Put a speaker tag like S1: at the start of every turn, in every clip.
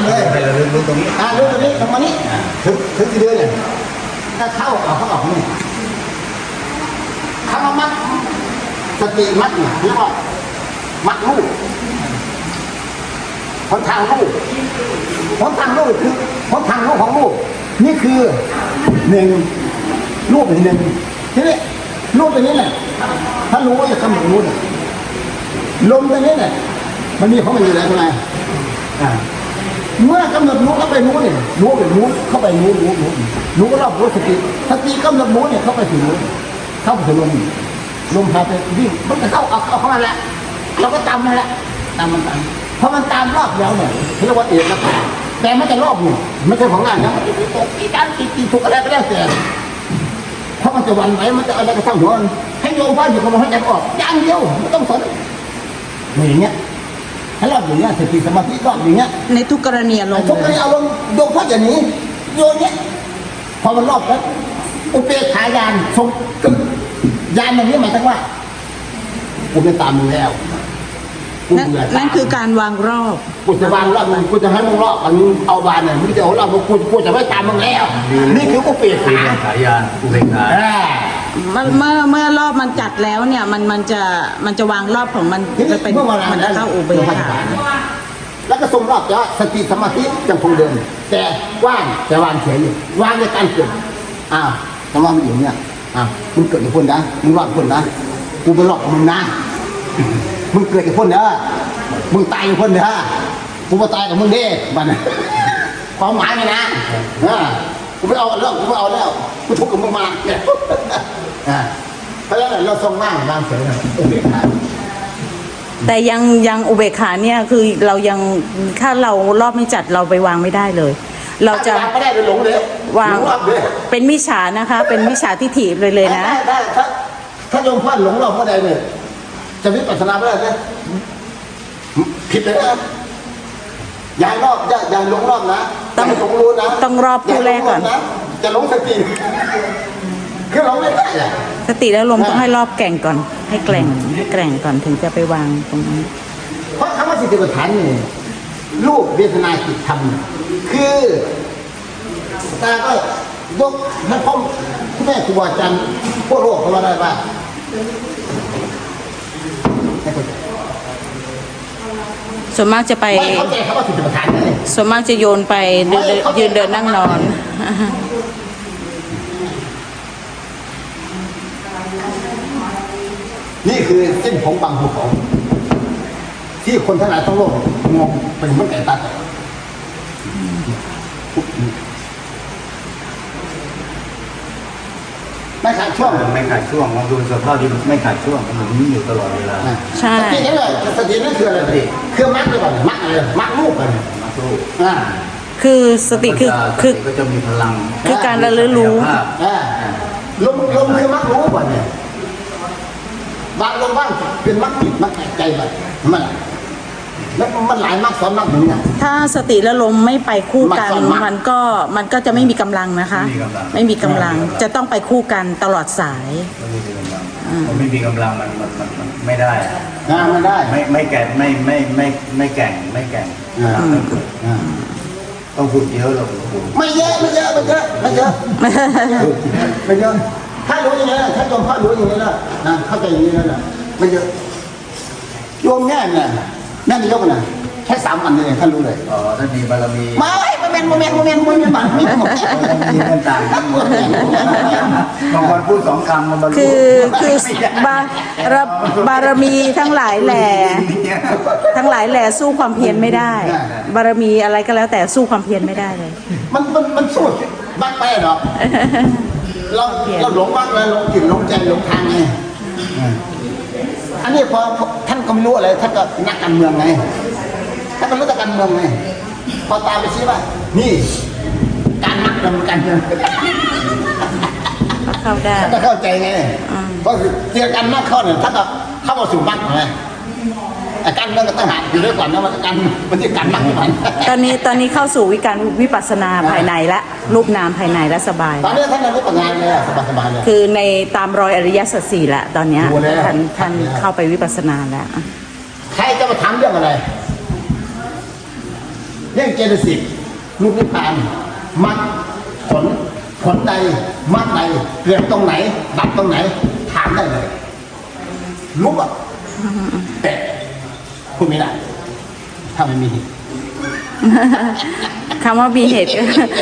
S1: เลยให้เรารู้ตรงนี้
S2: รู้ตรงนี้ตรงนี้ถึงกี่เดือนเนี่ยถ้าเข้าออกนี่คำว่ามัดสติมัดเนี่ยเรียกว่ามัดลูกหนทางลูกหนทางลูกคือหนทางลูกของลูกนี่คือหนึ่งลูกหนึ่งทีนี้ลูกตัวนี้เนี่ยถ้ารู้ว่าจะกำหนดรู้เนี่ยลมตัวนี้เนี่ยมันมีของมันอยู่แล้วใช่ไหมเมื่อกำหนดรู้เข้าไปรู้เนี่ยรู้เข้าไปรู้ก็รอบรู้สติกำหนดรู้เนี่ยเข้าไปถึงรู้เข้าไปถึงลมพาไปวิ่งมันจะเข้ามาแหละเราก็ตามมันแหละตามมันตามพอมันตามรอบแล้วเนี่ยเรียกว่าเอกแล้วแต่ไม่จะรอบอยู่ไม่ใช่ของงานนะมันจะตกที่การตีถูกอะไรก็แล้วแต่เพราะมันจะวันไหวมันจะอะไรก็ทั้งหัวให้โยมว่าอยู่กับมันให้ใจออกอย่างเดียวไม่ต้องสนอย่างเงี้ยให้รอบอย่างเงี้ยสติสมาธิรอบอย่างเงี้ย
S3: ในทุกกรณีลง
S2: ทุกกรณีอารมณ์โยมพ่ออย่างนี้โยนเนี้ยพอมันรอบแล้วอุเบกขายานทรงยานอย่างนี้หมายถึงว่ากูไม่ตามมึงแล้ว
S3: นั่นคือการวางรอบ
S2: กูจะวางรอบมึงกูจะให้มึงรอบอันนี้เอาบานเนี่ยมึงจะเอารอบกูจะไม่ตามมึงแล้วนี่คืออุเบก
S1: ขายานอุเบกขา
S3: เมื่อรอบมันจัดแล้วเนี่ยมันจะวางรอบของมันจะเป็นมันจะเข้าอุเบกขา
S2: แล้วก็ทรงรอบจะสติสมาธิยังคงเดิมแต่ว่างแต่วางเฉยอยู่วางในการเกิดคำว่ามันอยู่เนี่ยมึงเกิดกับคนนะมึงรอดคนนะกูไปรอดกับมึงนะมึงเกิดกับคนเด้อมึงตายกับคนเด้อกูมาตายกับมึงเด้มันความหมายไงนะกูไม่เอาแล้วกูทุกข์กับมึงมาเนี่ยเพราะฉะนั้นเราทรงว่างเฉยอุเบกขา
S3: แต่ยังอุเบกขาเนี่ยคือเรายังถ้าเรารอบไม่จัดเราไปวางไม่ได้เลยเราจะ
S2: ไม่ได้หลงเลยว
S3: างเป็นมิจฉานะคะเป็นมิจฉาทิฏฐิเลยนะ
S2: ได้ถ้าโยมพลาดหลงรอบเมื่อใดเนี่ยจะวิปัสสนาไม่ได้นะผิดเลยนะอย่าหลงรอบนะต้องหลงรู้นะ
S3: ต้องรอบผู้แรกก่อน
S2: จะหลงสติคือหลงไม่ได้
S3: สติแล้วลมต้องให้รอบแก่งก่อนให้แกร่งก่อนถึงจะไปวางตรงนั้น
S2: เพราะคำว่าสติปัฏฐานนี่รูปเวทนาจิตธรรมคือตาก็ยกให้พ่อแม่ครูบาอาจารย์พวกโลกเขาว่าได้ว่า
S3: ส่วนมากจะไปส่วนมากจะโยนไปยืนเดินนั่งนอน
S2: นี่คือเส้นผมบางภูเขาที่คนทั้งหลายทั้งโลกมองเป็นเหมือนไก่ตาไม่ขาดช่วง
S1: มองดูสภาพที่ไม่ขาดช่วงมันมีอยู่ตลอดเวลา
S3: ใช่
S2: สตินี่แหละสตินั่นคืออะไรคือมัดเลยก่อนมัดอะไรมัดลูกกัน
S1: มัดลูก
S3: คือสติคือ
S1: ก็จะมีพลัง
S3: คือการระลึกรู้
S2: ลมคือมัดรู้ก่อนเนี่ยบางลมบ้างเป็นมัดจิตมัดใจแบบมันแล้วมันหลายมัดซ้อนมัดเหมือนกัน
S3: ถ้าสติและลมไม่ไปคู่กันมันก็จะไม่มีกำลังนะคะไม่มีกำลังจะต้องไปคู่กันตลอดสาย
S1: ไม่มีกำลังมันไม่ได้
S2: ไม่ได้
S1: ไม่แก่ไม่แก่งต้องฝึกเยอะหรอก
S2: ไม่เยอะถ้ารู้อย่างนี้ถ้าโยมพระรู้อย่างนี้แล้วเข้าใจอย่างนี้แล้วนะไม่เยอะโยมแง่เนี่ยแม่นายกนะแค่3 วันเลยท่านรู้เลย
S1: ท่านมีบารมี
S2: ไม่โมเมนต์บัตรมีหมด
S1: ต่างบางคนพูด2 คำมันบรรลุ
S3: คือบารมีทั้งหลายแหล่สู้ความเพียรไม่ได้บารมีอะไรก็แล้วแต่สู้ความเพียรไม่ได้เลย
S2: มันสู้บ้างไปหรอเราหลงบ้างเลยหลงจิตหลงใจหลงทางไงอันนี้พอท่านก็ไม่รู้อะไรท่านก็นักการเมืองไงท่านก็รู้แต่การเมืองไงพอตามไปชี้ว่านี่การนักการเมือง
S3: เข้าได้
S2: ก็เข้าใจไงเพราะเจอกันนักเข้าเนี่ยท่านก็เข้ามาสู่นักไงการเมืองก็ต้องหาอยู่ด้วยก่อนนะมันจะการนักมัน
S3: ตอนนี้เข้าสู่วิปัสสนาภายในและรูปนามภายในและสบาย
S2: ตอนนี้ท่านวิปัสสนาเลยสบายเลย
S3: คือในตามรอยอริยสัจ 4ละตอนนี้ท่านเข้าไปวิปัสสนาแล้ว
S2: ใครจะมาถามเรื่องอะไรเรื่องเจตสิกรูปนิพพานมรรคผลใดมรรคใดเกิดตรงไหนดับตรงไหนถามได้เลยรู้อ่ะแต่พูดไม่ได้ถ้าไม่มีเหตุ
S3: คำว่ามีเหตุก็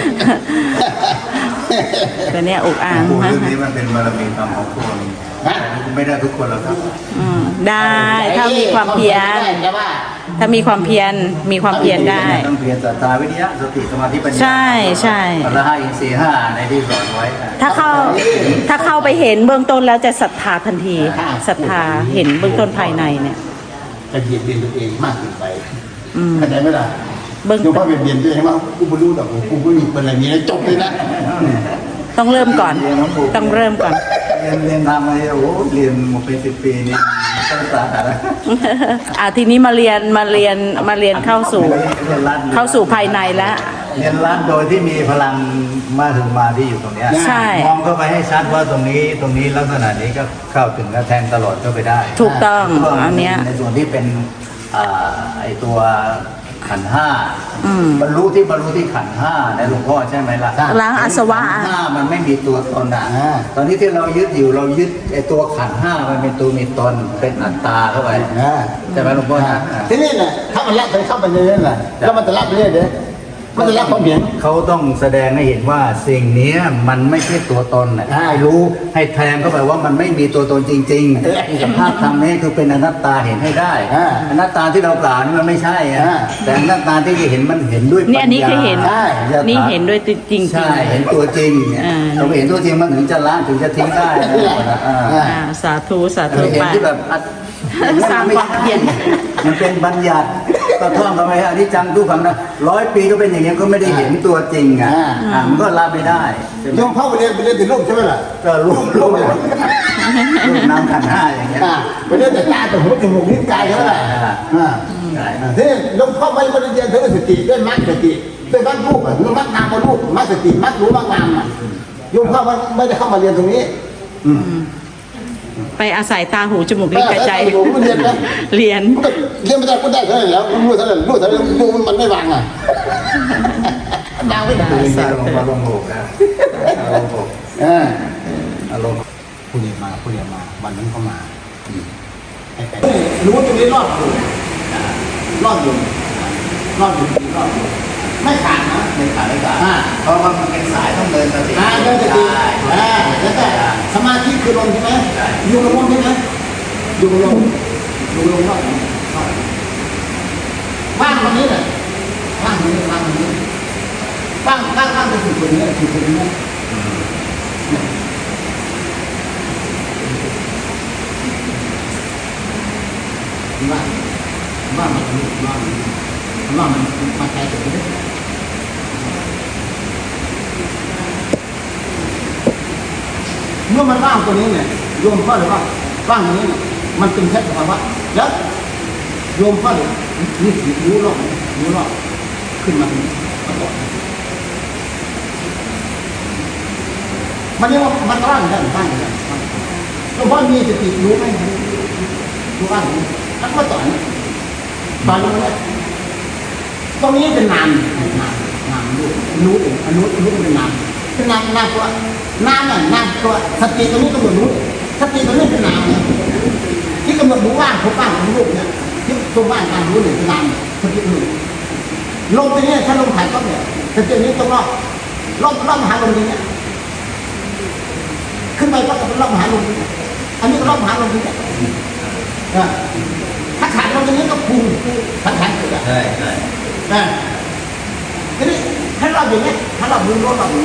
S3: ตัวเนี้ยอุกอ่าง
S1: พูด
S3: นะ
S1: เรื่องนี้มันเป็นบารมีธรรมของคน
S2: นะ
S1: ไม่ได้ทุกคนหรอกครับ
S3: ได้ถ้ามีความเพียร
S2: แต่ว่า
S3: ถ้ามีความเพียรมีความเพียรได้
S1: ต้องเพียรศรัทธาวิทยาสติสมาธิปัญญา
S3: ใช่ใช่
S1: พละห้าอินทรีย์ห้าในที่สอนไว้
S3: ถ้าเข้าไปเห็นเบื้องต้นแล้วจะศรัทธาทันทีศรัทธาเห็นเบื้องต้นภายในเนี่ย
S2: จะเบียดเบียนตัวเองมากเกินไป
S3: อืม
S2: เข้าใจไหมล่ะ
S3: เบื้อง
S2: ยกว่าเบียดเบียนตัวเองมากกูไม่รู้หรอกกูไม่มีเป็นอะไรมีแล้วจบเลยนะ
S3: ต้องเริ่มก่อน ต้องเริ่มก่อน
S1: เรียนทำมาโอ้โหเรียนมาเป็น10 ปีนี่ต้องสาหัสนะ
S3: ทีนี้มาเรียนเข้าสู่
S1: เรียนรัด
S3: เข้าสู่ภายในแล้ว
S1: เรียนรัดโดยที่มีพลังมาถึงมาที่อยู่ตรงเนี้ย
S3: ใช่
S1: มองเข้าไปให้ชัดว่าตรงนี้ลักษณะนี้ก็เข้าถึงและแทงตลอดเข้าไปได้
S3: ถูกต้อง
S1: ก็
S3: อันเนี้ย
S1: ในส่วนที่เป็นไอตัวขันธ์ห้า
S3: อืม
S1: บรรลุที่ขันธ์ห้าในหลวงพ่อใช่ไหมล่ะ
S3: ล้างอาสวะ
S1: ขันธ์ห้ามันไม่มีตัวตนอ่ะตอนนี้ที่เรายึดอยู่เรายึดไอตัวขันธ์ห้ามันเป็นตัวมีตนเป็นอัตตาเข้าไปใช่ไหมหลวงพ่อนะ
S2: ทีนี้เนี่ยถ้ามันละไปเข้าไปในนั้นแหละแล้วมันจะละไปเรื่อยเด้อมันจะละความเห็น
S1: เขาต้องแสดงให้เห็นว่าสิ่งเนี้ยมันไม่ใช่ตัวตนนะให้รู้ให้แทงเข้าไปว่ามันไม่มีตัวตนจริงๆสภาพธรรมนี้คือเป็นอนัตตาเห็นให้ได้อนัตตาที่เรากล่าวนี่มันไม่ใช่อะแต่อนัตตาที่จะเห็นมันเห็นด้วยปัญ
S3: เนี่ย
S1: ญา
S3: อันนี้คือเห็น
S1: ใช่
S3: นี่เห็นด้วยจริงๆ
S1: ใช่เห็นตัวจริงเนี่ย
S3: อ่า
S1: เราเห็นตัวจริงมันถึงจะละถึงจะทิ้งได้นะ
S3: สาธุสาธุ
S1: เห็น
S3: ไป
S1: ที่แบบ
S3: สร้างความเพียร
S1: มันเป็นบัญญัติก็ท่องกันไปอันนี้จังทุกขังนะ100 ปีก็เป็นอย่างเงี้ยก็ไม่ได้เห็นตัวจริงอ่ะมันก็ละไม่ได้ใช่ไหม
S2: โยมเข้าไปเรียนถึงรูปใช่ไหมล่ะ
S1: ก็รูปน้ำขันธ์ห้าอย่างเงี้ย
S2: ไปเรียนแต่ตาแต่หูจมูกนิ้วกายใช่ไหมล่ะทีนี้โยมเข้าไปเรียนถึงสติด้วยมรรคสติด้วยมรรครูปอ่ะมรรคนามรูปมรรคสติมรรครู้มรรคนามอ่ะโยมเข้ามาไม่ได้เข้ามาเรียนตรงนี้
S3: ไปอาศัยตาหูจมูกลิ้นกายใจ
S2: เรียนนะ
S3: เรียน
S2: เรียนไม่ได้ก็ได้เท่านั้นแล้วรู้เท่านั้นรู้มันไม่วางอ่ะดาวไม่ได้
S1: คือจริงๆลงโลกนะลงโลกอารมณ์
S2: ผู้เรียนมาวันนั้นเขามารู้ตรงนี้รอดอยู่ไม่ขาดนะ
S1: ไม่ขาดเพราะว่ามันเป็นสายต้องเดินสติ
S2: เดินสติแล้วก็สมาธิคือลมใช่ไหมอยู่กับลมใช่ไหมอยู่กับลมรอดว่างวันนี้เลยว่างจะถูกคนนี้ว่ามันมาใช้ตัวนี้เมื่อมันว่างตัวนี้เนี่ยโยมพ่อเลยว่าว่างตัวนี้เนี่ยมันเป็นแค่สภาวะแล้วโยมพ่อเลยนี่รู้รอบขึ้นมาตรงนี้มันเรียกว่ามันว่างได้หลวงพ่อมีสติรู้ไหมรู้ว่างแล้วก็ต่อยตอนนี้ตรงนี้เป็นนามรู้เองรู้เป็นนามตัวน้ำตัวสติตรงนี้กำหนดรู้สติตรงนี้เป็นนามที่กำหนดรู้ว่างผมว่างของรูปเนี่ยที่ตรงว่างการรู้เนี่ยเป็นนามสติหนึ่งลงไปเนี่ยถ้าลงถ่ายก็เนี่ยสตินี้ต้องรอบมหาลมนี้ขึ้นไปก็เป็นรอบมหาลมอันนี้ก็รอบมหาลมนี้ถ้าขาดลงตรงนี้ก็พุงขาดเกิด
S1: ใช่
S2: ทีนี้ถ้าเราอย่างนี้ถ้าเรารู้รอบเรา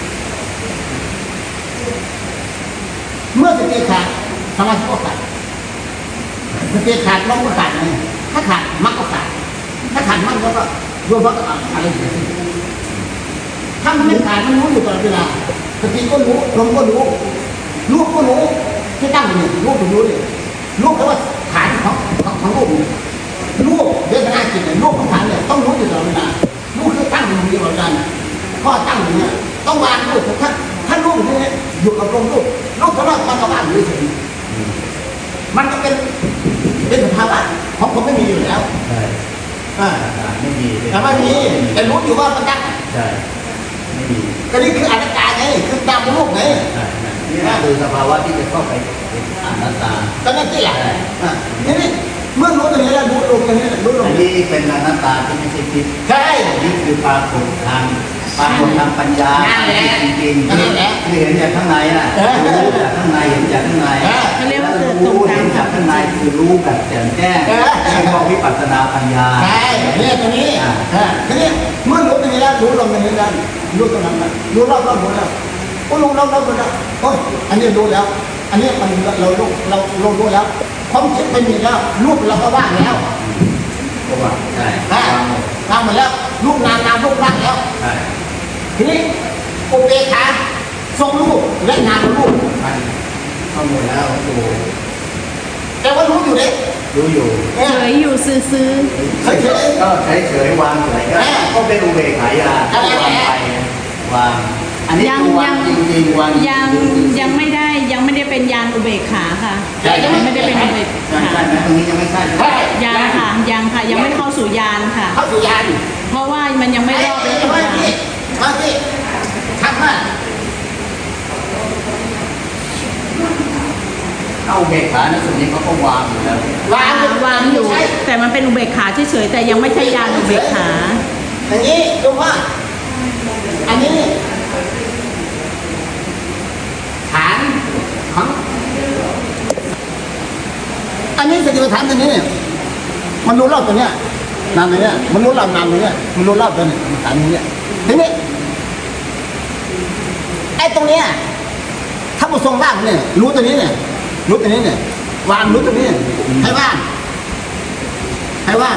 S2: เมื่อสติขาดสมาธิก็ขาดสติขาดลมก็ขาดไงถ้าขาดมรรคก็ขาดถ้าขาดมรรคก็รวมมรรคอะไรเสียถ้ามันไม่ขาดมันรู้อยู่ตลอดเวลาสติก็รู้ลมก็รู้ที่ตั้งอยู่รู้ถึงรู้เลยรู้แปลว่าฐานของรูปรูปเวทนาจิตเนี่ยรูปของฐานเนี่ยต้องรู้อยู่ตลอดเวลารูปคือตั้งอยู่ตลอดเวลาข้อตั้งอย่างเนี้ยต้องวางรูปถ้ารูปอย่างนี้อยู่กับลมรูปเพราะว่ามันก็ว่างอยู่เฉยมันก็เป็นสภาวะของผมไม่มีอยู่แล้ว
S1: ไม่มี
S2: แต่ไม่มีแต่รู้อยู่ว่ามันดัง
S1: ใช่ไม่มี
S2: ก็นี่คืออนัตตาไงคือตามเป็นลูกไง
S1: ใช่นี่คือสภาวะที่จะเข้าไปเป็นอนัตตา
S2: ก็นั่นที่แหละทีนี้เมื่อรู้ตรงนี้แล้วรู้ลงตรงนี้รู้ลง
S1: อันนี้เป็นอนัตตาที่ไม่ใช่คิด
S2: ใช่
S1: นี่คือปรากฏทางปัญญาจริงๆคือเห็นจากข้างในน่ะรู้จากข้างในเห็นจากข้างใน
S3: เขาเรียกว่าเกิดตรง
S1: รู้
S3: กลา
S1: เห็
S3: ง
S1: นจากข้างในคือรู้แบบแจ่มแจ้งเรียกว่าวิปัสสนาปัญญา
S2: ใช่เนี่ยตรงนี้ทีนี้เมื่อรู้ตรงนี้แล้วรู้ลงตรงนี้แล้วรู้ตรงนั้นรู้รอบรู้แล้วก็รู้รอบรู้แล้วโอ้ยอันนี้รู้แล้ว อันนี้มันเรารู้แล้วความคิดไม่มีแล้วรูปเราก็ว่างแล้ว
S1: ก็ว่าใช่
S2: ว่างหมดแล้วรูปนามรูปว่างแล้ว
S1: ใช่
S2: ทีนี้อุเบกขาทรงรูปและนามรูป
S1: เข้าหมดแล้วดู
S2: แต่ว่ารู้อยู่เลย
S1: รู้อยู่
S3: เฉยอยู่ซื้อ
S2: เฉย
S1: ก็เฉยวางเฉยก็เป็นอุเบกขายาก็วางไปวางอันนี้คือวางจริงๆวาง
S3: ยังไม่ได้เป็นญาณอุเบกขาค่ะยังไม่ได้เป็นอุเบก
S1: ใช่
S3: ขา
S1: ใช่ไหมตรงนี้ยังไม่ใช่
S3: ยังค่ะยังไม่เข้าสู่ญาณค่ะ
S2: เข้าสู่ญาณ
S3: เพราะว่ามันยังไม่รอบแล้วถึงญาณ
S2: มาที่ทำมา
S1: เข้าอุเบกขาในส่วนนี้เขาก็วางอยู่แล้ว
S3: วางอยู่ แต่มันเป็นอุเบกขาเฉยๆแต่ยังไม่ใช่ญาณอุเบกขา
S2: อย่างนี้ดูว่าอันนี้ฐานของอันนี้สติปัฏฐานตัวนี้เนี่ยมันรู้รอบตัวเนี้ยนามตัวเนี้ยมันรู้รอบนามตัวเนี้ยมันรู้รอบตัวนี้ฐานนี้ทีนี้ไอ้ตรงเนี้ยถ้ามันทรงว่างเนี่ยรู้ตัวนี้เนี่ยรู้ตัวนี้เนี่ยวางรู้ตัวนี้ให้ว่างให้ว่าง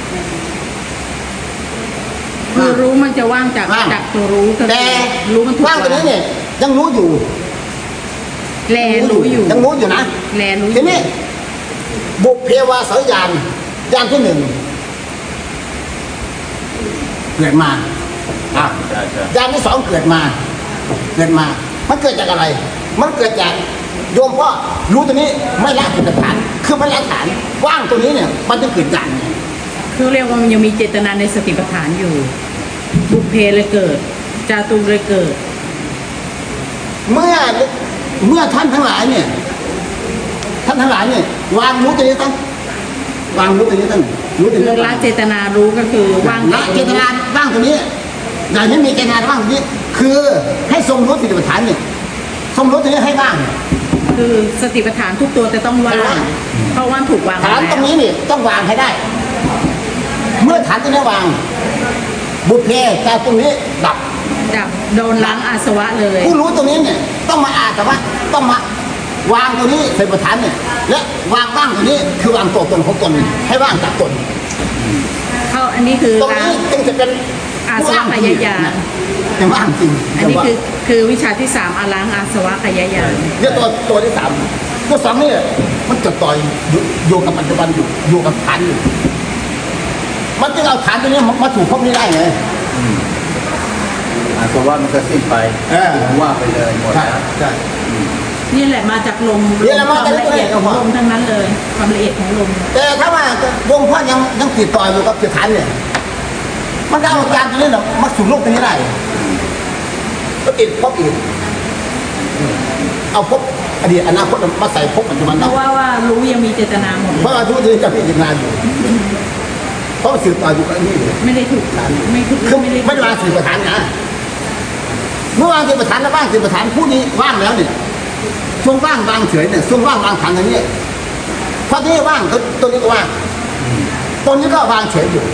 S3: คือรู้มันจะว่างจากตัวรู้ก็
S2: แต่
S3: รู้มันถูก
S2: ว่างตัวนี้เนี่ยยังรู้อยู่
S3: แลรู้อยู่
S2: ยังรู้อยู่นะ
S3: แลรู้อ
S2: ที
S3: ยู่
S2: นี้บุพเพวาสยานยานที่หนึ่งเกิดมาอ่ะ
S1: ใช่ใช่
S2: ยานที่สองเกิดมามันเกิดจากอะไร มันเกิดจากโยมพ่อรู้ตัวนี้ไม่ละจิตฐาน คือไม่ละฐานว่างตัวนี้เนี่ย มันจะเกิดจาก
S3: คือเรียกว่ามันยังมีเจตนาในสติปัฏฐานอยู่ บุพเพเลยเกิด จาตุเลยเกิด
S2: เมื่อท่านทั้งหลายเนี่ยวางรู้ตัวนี้ตั้งวางรู้ตัวนี้ตั้งรู้ตัว
S3: คื
S2: นี้
S3: อละเจตนารู้ก็คือว่าง
S2: ละเจตนาว่างตัวนี้อย่างที่มีเจตนาว่างตัวนี้ คือให้ทรงรู้สติปัฏฐานเนี่ยทรงรู้ตัวนี้ให้ว่าง
S3: คือสติปัฏฐานทุกตัวจะต้องว่างเพราะว่าถูกวาง
S2: ฐานตรงนี้นี่ต้องวางให้ได้ เมื่อฐานตรงนี้วาง บุพเพแต่ตรงนี้ดับ
S3: จับโดนล้างอาสวะเลย
S2: ผู้รู้ตรงนี้เนี่ยต้องมาอาสวะต้องมาวางตัวนี้สติปัฏฐานเนี่ยและวางว่างตัวนี้คือวางตัวตนของตนให้ว่างจากตน
S3: เข้าอันนี้คือ
S2: ตรง
S3: ล้าง
S2: นี้จึงจะเป็น
S3: อาสวะขยายาน
S2: เป็นว่างจริง
S3: อันนี้คือวิชาที่3อาล้างอาสวะขยายาน
S2: เนี่ยตัวที่สามตัวสองนี่มันจะต่อยอยู่กับปัจจุบันอยู่กับฐานอยู่มันจึงเอาฐานตัวนี้มาถูกพบนี้ได้ไง
S1: ตัวว่ามันก็สิ้นไปว่าไปเลยหมด
S2: ใช่
S1: แล้ว
S2: ใช่
S3: นี่แหละมาจากลม
S2: นี่แหละ
S3: ค
S2: มาว
S3: าม
S2: จาก
S3: ละเอียดของลมทั้งนั้นเลย ความละเอียดของลม
S2: แต่ถ้าว่าโยมพ่อยังติดต่ออยู่กับฐานเนี่ยมันก็เอาอาการตัวนี้มาสู่โลกตัวนี้ได้ก็ติดพบอีกเอาพบอดีตอนาคตมาใส่พบปัจจุบัน
S3: เพ
S2: ได้
S3: ราะว่ารู้ยังมีเจตนาหมด
S2: เพราะว่าทุกทีจะพิจารณาอยู่เพราะสืบต่ออยู่กับนี่อยู่
S3: ไม่ได้ถูกไม่ถูก
S2: คือ
S3: ไม่ได้
S2: ไม่ได้วางสืบประธานนะเมื่อวางสืบประธานแล้วว่างสืบประธานผู้นี้ว่างแล้วเนี่ยช่วงว่างวางเฉยเนี่ยช่วงว่างวางฐานอย่างนี้พอที่นี่ว่างตัวนี้ก็ว่างตัวนี้ก็วางเฉยอยู่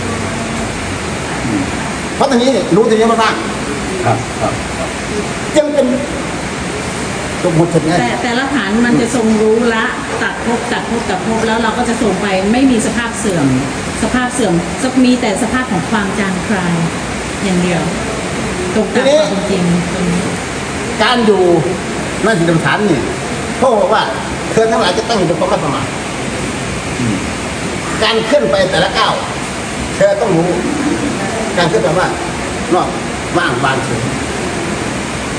S2: เพราะตรงนี้เนี่ยรู้ตรงนี้ว่าว่าง
S1: ครับครับ
S2: จึงเป็นสมมติเช่นนี้
S3: แต่ละฐานมันจะทรงรู้ละตัดภพแล้วเราก็จะส่งไปไม่มีสภาพเสื่อมมีแต่สภาพของความจางคลายอย่างเดียวตรงตามความจริงตรงนี้
S2: การอยู่ในสติปัฏฐานเนี่ยพ่อบอกว่าเธอทั้งหลายจะตั้งอยู่บนความประมาทการขึ้นไปแต่ละก้าวเธอต้องรู้การขึ้นไปว่านอกว่างบานเฉย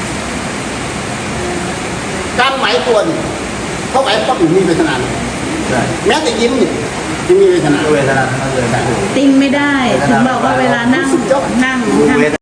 S2: การไหวตัวนี่เขาไหวปั๊บอยู่มีเวทนาเลย
S1: ใช่ได้
S2: แม้แต่ยิ้มเนี่ยยังมีเวทนา
S1: เวทนาทั้งนั้นเลยนะ
S3: ติ้งไม่ได้ถึงบอกว่าเวลานั่งนั่ง